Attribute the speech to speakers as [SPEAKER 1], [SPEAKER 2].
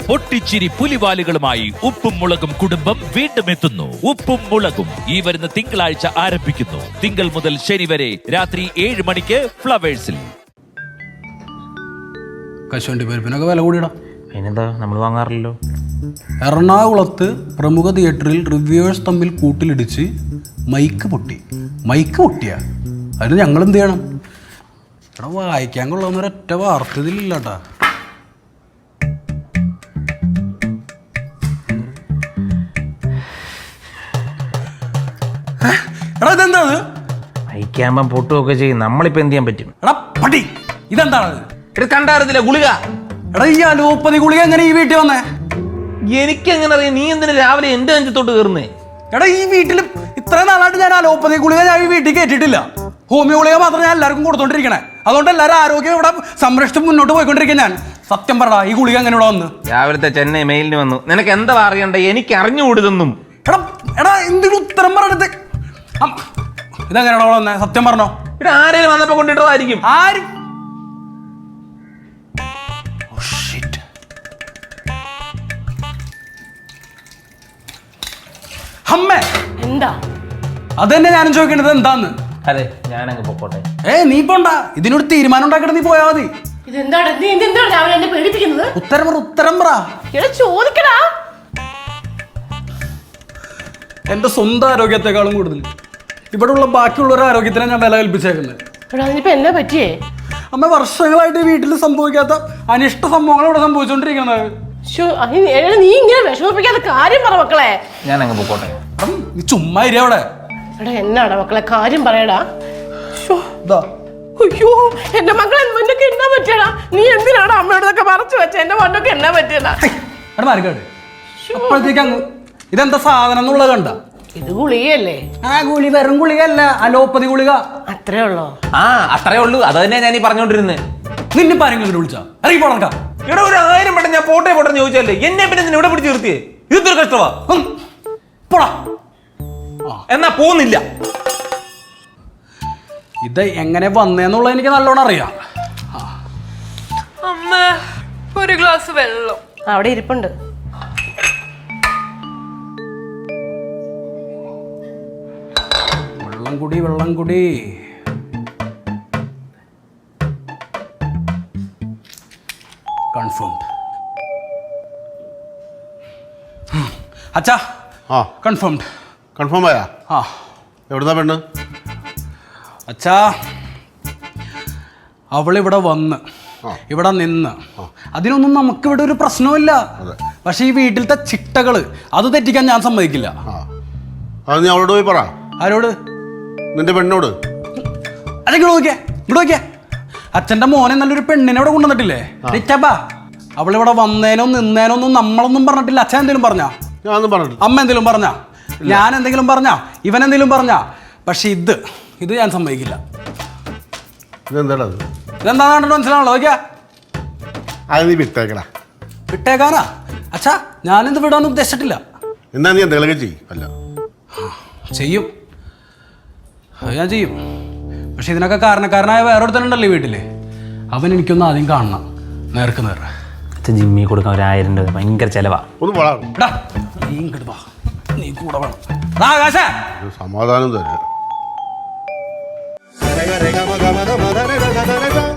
[SPEAKER 1] പൊട്ടിച്ചിരി പുലിവാലുകളുമായി ഉപ്പും മുളകും കുടുംബം വീണ്ടും എത്തുന്നു. ഉപ്പും മുളകും ഈ വരുന്ന തിങ്കളാഴ്ച ആരംഭിക്കുന്നു. തിങ്കൾ മുതൽ ശനി വരെ രാത്രി 7 മണിക്ക് ഫ്ലവേഴ്സിൽ.
[SPEAKER 2] കശുവണ്ടി പരിപ്പിനൊക്കെ വില കൂടിയിടാം.
[SPEAKER 3] അതിനെന്താ, നമ്മൾ വാങ്ങാറില്ലല്ലോ.
[SPEAKER 2] എറണാകുളത്ത് പ്രമുഖ തിയേറ്ററിൽ റിവ്യൂവേഴ്സ് തമ്മിൽ കൂട്ടിലിടിച്ച് മൈക്ക് പൊട്ടിയ അതിന് ഞങ്ങൾ എന്ത് ചെയ്യണം? എടാ, വായിക്കാൻ കൊള്ളാവുന്ന ഒരൊറ്റ വാർത്ത ഇതിലില്ല കേട്ടാ. എടാ, ഇതെന്താണ്?
[SPEAKER 3] വായിക്കാമ്പം പൊട്ടുമൊക്കെ ചെയ്യും. നമ്മളിപ്പോ എന്ത് ചെയ്യാൻ പറ്റും?
[SPEAKER 2] എടാ പട്ടി, ഇതെന്താണത്?
[SPEAKER 3] ഇത് കണ്ടായിരുന്നില്ല ഗുളിക.
[SPEAKER 2] എടാ, ഈ അലോപ്പതി ഗുളിക എങ്ങനെ ഈ വീട്ടിൽ വന്നേ?
[SPEAKER 3] എനിക്കെങ്ങനെ അറിയാം? നീ എന്തിനു രാവിലെ എന്റെ അഞ്ചത്തോട്ട് കയറുന്നേ?
[SPEAKER 2] എടാ, ഈ വീട്ടിൽ ഇത്ര നാളായിട്ട് ഞാൻ അലോപ്പതി ഗുളിക ഞാൻ ഈ വീട്ടിൽ കേട്ടിട്ടില്ല. ഹോമിയോ ഗുളിക മാത്രം ഞാൻ എല്ലാവർക്കും കൊടുത്തോണ്ടിരിക്കണേ. അതുകൊണ്ട് എല്ലാവരും ആരോഗ്യം ഇവിടെ സംരക്ഷിച്ച് മുന്നോട്ട് പോയിക്കൊണ്ടിരിക്കും. ഞാൻ സത്യം പറടാ, ഈ ഗുളിക എങ്ങനെ ഇവിടെ വന്ന്?
[SPEAKER 3] രാവിലത്തെ ചെന്നൈ മെയിലിന് വന്നു. നിനക്ക് എന്താ അറിയണ്ടേ? എനിക്ക് അറിഞ്ഞുകൂടുതൊന്നും.
[SPEAKER 2] എടാ എന്തെങ്കിലും ഉത്തരം പറഞ്ഞത്. ഇതെങ്ങനെയാണോ ഇവിടെ വന്നേ? സത്യം പറഞ്ഞോ.
[SPEAKER 3] ഇവിടെ ആരെങ്കിലും വന്നപ്പോ കൊണ്ടിട്ടതായിരിക്കും.
[SPEAKER 2] ആരും അമ്മേ,
[SPEAKER 4] എന്താ?
[SPEAKER 2] അതന്നെ ഞാനും ചോദിക്കേണ്ടത് എന്താന്ന്.
[SPEAKER 3] അതെ, ഞാനങ്ങ് പൊക്കോട്ടെ.
[SPEAKER 2] നീ പോണ്ട, ഇതിനൊരു തീരുമാനം ഉണ്ടാക്കിയിട്ട് നീ പോയാ മതി.
[SPEAKER 4] ഇതെന്താണ്? നീ എന്താണ് രാവിലെ എന്നെ പേടിപ്പിക്കുന്നത്?
[SPEAKER 2] ഉത്തരം പറ.
[SPEAKER 4] ചോദിക്കടാ.
[SPEAKER 2] എന്റെ സ്വന്തം ആരോഗ്യത്തെക്കാളും കൂടുതൽ ഇവിടെ ഉള്ള ബാക്കിയുള്ളവരുടെ ആരോഗ്യത്തിനെ ഞാൻ വില കൽപ്പിച്ചേക്കുന്നത്.
[SPEAKER 4] അതിനിപ്പോ എന്നാ പറ്റിയേ?
[SPEAKER 2] അമ്മ, വർഷങ്ങളായിട്ട് വീട്ടിൽ സംഭവിക്കാത്ത അനിഷ്ട സംഭവങ്ങൾ ഇവിടെ സംഭവിച്ചോണ്ടിരിക്കുന്നത്.
[SPEAKER 4] നീ ഇങ്ങനെ വിഷമിപ്പിക്കാത്ത കാര്യം പറ മക്കളെ.
[SPEAKER 3] ഞാനങ്ങ് പൊക്കോട്ടെ.
[SPEAKER 2] നീ ചുമ്മാ ഇരി അവിടെ.
[SPEAKER 4] എടാ, എന്നാടാ മക്കളെ കാര്യം പറയടാ. അയ്യോ, എന്റെ മക്കളെ മണ്ണൊക്കെ എന്നാ പറ്റിയടാ? നീ എന്തിനാണ് അമ്മയോടൊക്കെ മറച്ചു വെച്ച? എന്റെ മണ്ണൊക്കെ എന്നാ പറ്റിയടാ?
[SPEAKER 2] അപ്പോഴത്തേക്ക് അങ്ങ് ഇതെന്താ സാധനം എന്നുള്ളത് കണ്ട?
[SPEAKER 4] ഇത് ഗുളികയല്ലേ?
[SPEAKER 2] ഗുളി വെറും ഗുളികയല്ല, അലോപ്പതി ഗുളിക.
[SPEAKER 4] അത്രേ ഉള്ളോ?
[SPEAKER 3] അത്രേ ഉള്ളൂ. അത് തന്നെ ഞാൻ ഈ പറഞ്ഞോണ്ടിരുന്നത്.
[SPEAKER 2] നിന്നെ പാരെങ്കിലും വിളിച്ചാ ഇറങ്ങി പോണക്കാ.
[SPEAKER 3] ഇവിടെ ഒരു 1000 വട്ടം ഞാൻ പോട്ടെ ചോദിച്ചല്ലേ, എന്നെ പിന്നെ ഇവിടെ പിടിച്ച് നിർത്തിയേ. ഇതൊരു കഷ്ടമാ.
[SPEAKER 2] പോടാ.
[SPEAKER 3] എന്നാ പോകുന്നില്ല.
[SPEAKER 2] ഇത് എങ്ങനെ വന്നേന്നുള്ളത് എനിക്ക് നല്ലോണം അറിയാം.
[SPEAKER 5] അമ്മ, ഒരു ഗ്ലാസ് വെള്ളം
[SPEAKER 4] അവിടെ ഇരിപ്പുണ്ട്.
[SPEAKER 2] വെള്ളം കുടി. കൺഫേംഡ്. അച്ഛാ, കൺഫേംഡ്.
[SPEAKER 6] കൺഫേം ആയാ? എവിടുന്നാ പെണ്ണ്?
[SPEAKER 2] അച്ഛാ, അവളിവിടെ വന്ന് ഇവിടെ നിന്ന് അതിനൊന്നും നമുക്കിവിടെ ഒരു പ്രശ്നമില്ല. പക്ഷെ ഈ വീട്ടിലത്തെ ചിട്ടകള് അത് തെറ്റിക്കാൻ ഞാൻ സമ്മതിക്കില്ല.
[SPEAKER 6] അത് നീ അവളോട് പോയി പറ.
[SPEAKER 2] ആരോട്?
[SPEAKER 6] നിന്റെ പെണ്ണോട്.
[SPEAKER 2] ഇങ്ങോട്ട് നോക്കിയേ. അച്ഛന്റെ മോനെ നല്ലൊരു പെണ്ണിനെ ഇവിടെ കൊണ്ടുവന്നിട്ടില്ലേ? അവളിവിടെ വന്നേനോ നിന്നേനോ ഒന്നും നമ്മളൊന്നും പറഞ്ഞിട്ടില്ല. അച്ഛൻ എന്തെങ്കിലും പറഞ്ഞാ?
[SPEAKER 6] ഞാനൊന്നും പറഞ്ഞിട്ടില്ല.
[SPEAKER 2] അമ്മ എന്തെങ്കിലും പറഞ്ഞാ? ഞാൻ എന്തെങ്കിലും പറഞ്ഞാ? ഇവൻ എന്തെങ്കിലും പറഞ്ഞാ? പക്ഷെ ഇത് ഞാൻ സമ്മതിക്കില്ല. ഇതെന്താ മനസ്സിലാണല്ലോ. നോക്കിയാ,
[SPEAKER 6] അത് നീ വിട്ടേക്കടാ.
[SPEAKER 2] വിട്ടേക്കാനാ? അച്ഛാ, ഞാനിത് വിടാൻ ഉദ്ദേശിച്ചിട്ടില്ല.
[SPEAKER 6] എന്നാ നീ എന്തെങ്കിലുമൊക്കെ
[SPEAKER 2] ചെയ്യും. അത് ഞാൻ ചെയ്യും. പക്ഷെ ഇതിനൊക്കെ കാരണക്കാരനായ വേറൊരുത്തനുണ്ടല്ലോ ഈ വീട്ടില്. അവൻ എനിക്കൊന്ന് ആദ്യം കാണണം, നേർക്ക് നേർ.
[SPEAKER 3] ജിമ്മി കൊടുക്കാൻ 1000 രൂപ ഭയങ്കര ചെലവാ.
[SPEAKER 2] നീ കൂടെ വേണം.
[SPEAKER 6] സമാധാനം തരാം.